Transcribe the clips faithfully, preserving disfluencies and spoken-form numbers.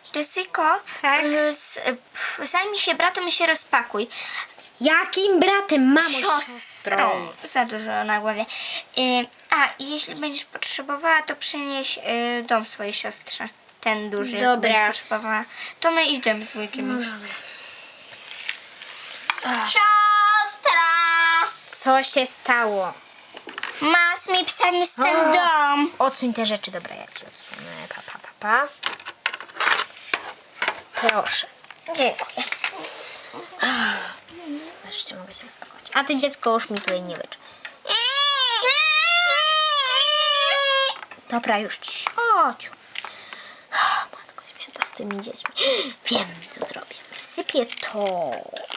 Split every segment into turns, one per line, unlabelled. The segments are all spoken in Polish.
Jessico,
Tak?
y, z, y, pf, zajmij się bratem i się rozpakuj.
Jakim bratem, mamo,
Siostrą. Za dużo na głowie. Y, a, i jeśli będziesz potrzebowała, to przynieś y, dom swojej siostrze. Ten duży.
Dobra.
Będzie potrzebowała. To my idziemy z wujkiem już.
dobra.
Siostra!
Co się stało?
Mas mi psanie z ten
O.
dom.
Odsuń te rzeczy, dobra, ja ci odsunę. Pa, pa, pa, pa. Proszę.
Dziękuję.
Wreszcie mogę się rozpakować. A ty, dziecko, już mi tutaj nie wycz. Dobra, już ci. Chodź. Matko święta z tymi dziećmi. Wiem, co zrobię. Wsypię to.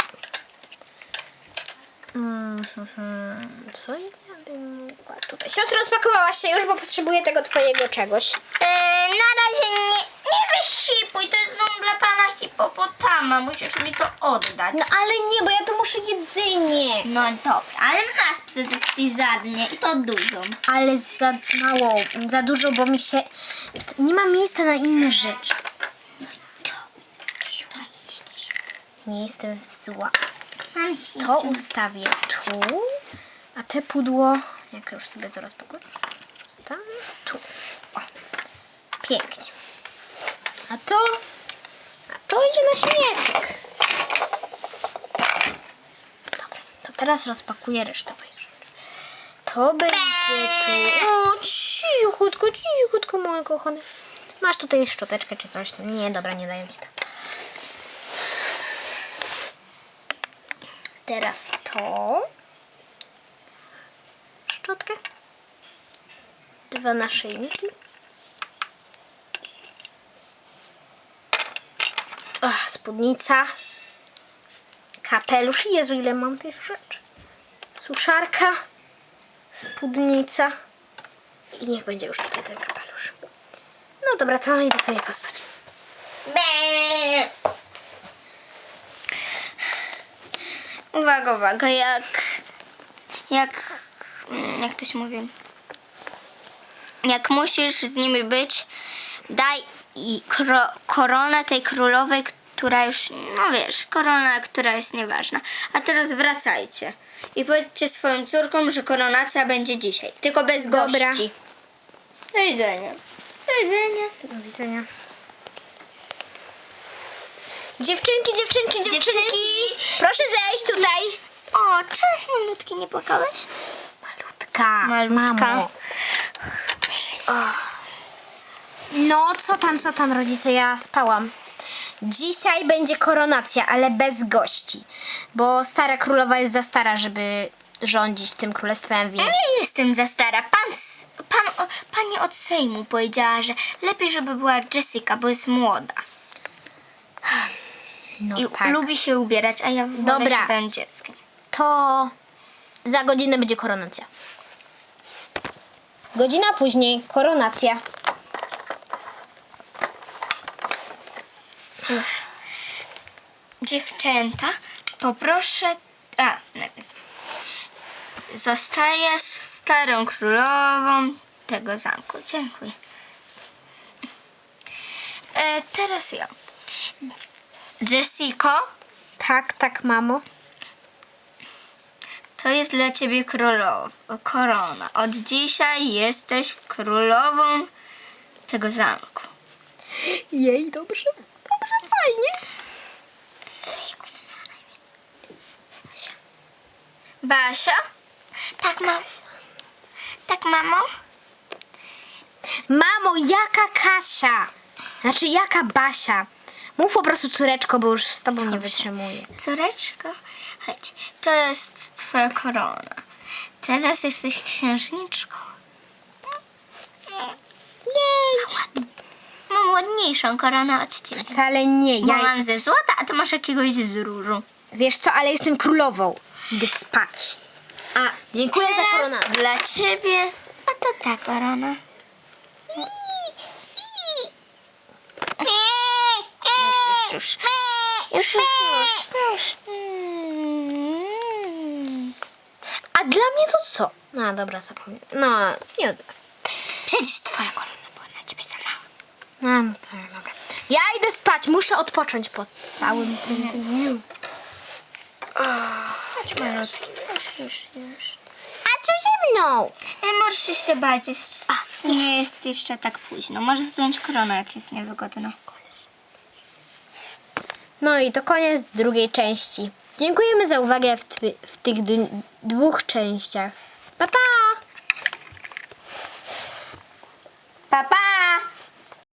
Mhm. Co ja bym mogła tutaj? Siostro, rozpakowałaś się już, bo potrzebuję tego twojego czegoś.
E, na razie nie, nie wysipuj, to jest dom dla pana hipopotama, musisz mi to oddać.
No ale nie, bo ja tu muszę jedzenie.
No dobra, ale masz psy, to jest pizarnię i to dużą.
Ale za mało, za dużo, bo mi się... Nie ma miejsca na inne rzeczy. Nie jestem zła. To ustawię tu, a te pudło, jak już sobie to rozpakuję, ustawię tu. O, pięknie. A to, a to idzie na śmietnik. Dobra, to teraz rozpakuję resztę moich rzeczy. To będzie tu. O, cichutko, cichutko, moje kochane. Masz tutaj szczoteczkę czy coś tam. Nie, dobra, nie daję mi to. Teraz to. Szczotkę. Dwa naszyjniki. Ach, spódnica. Kapelusz. Jezu, ile mam tych rzeczy. Suszarka. Spódnica. I niech będzie już tutaj ten kapelusz. No dobra, to idę sobie pospać.
Be. Uwaga, uwaga, jak, jak, jak to się mówi, jak musisz z nimi być, daj i kro, koronę tej królowej, która już, no wiesz, korona, która jest nieważna. A teraz wracajcie i powiedzcie swoim córkom, że koronacja będzie dzisiaj, tylko bez gości.
Dobra.
Do widzenia. Do widzenia.
Do widzenia. Dziewczynki, dziewczynki, dziewczynki,
Dziewczynki.
proszę zejść tutaj.
O, cześć, malutki, nie płakałeś?
Malutka,
Malutka.
mamo. No, co tam, co tam, rodzice, ja spałam. Dzisiaj będzie koronacja, ale bez gości, bo stara królowa jest za stara, żeby rządzić tym królestwem, więc...
Nie jestem za stara. Pan, s- pan, o, pani od Sejmu powiedziała, że lepiej, żeby była Jessica, bo jest młoda.
No
I
tak.
lubi się ubierać, a ja wolę
Dobra.
się zająć dzieckiem.
To za godzinę będzie koronacja. Godzina później koronacja.
Już. Dziewczęta, poproszę... A, najpierw. Zostajesz starą królową tego zamku. Dziękuję. E, teraz ja. Jessico,
Tak, tak, mamo.
to jest dla ciebie królow, korona. Od dzisiaj jesteś królową tego zamku.
Jej, dobrze, dobrze, fajnie.
Basia? Tak, mamo. Tak, mamo?
Mamo, jaka Kasia? Znaczy, jaka Basia? Mów po prostu córeczko, bo już z tobą nie wytrzymuję.
Córeczko, chodź. To jest twoja korona. Teraz jesteś księżniczką.
Jej.
Mam ładniejszą koronę od ciebie.
Wcale nie,
Bo
ja...
mam ze złota, a ty masz jakiegoś z różu.
Wiesz co, ale jestem królową. Idę spać.
A
Dziękuję za
teraz
koronację.
dla ciebie, a to ta korona. Już, już, już, już, już. Mm.
A dla mnie to co? No dobra, zapomniałem. No, nie odzywam.
Przecież twoja korona była na ciebie sama.
No, no to dobra. Ja idę spać, muszę odpocząć po całym tym dniu. Chodź, malutki. Już, już. A co ze mną?
E, możesz się bać, jest, nie jest jeszcze tak późno. Możesz zdjąć koronę, jak jest niewygodna.
No i to koniec drugiej części. Dziękujemy za uwagę w, twy, w tych d- dwóch częściach. Pa, pa!
Pa, pa!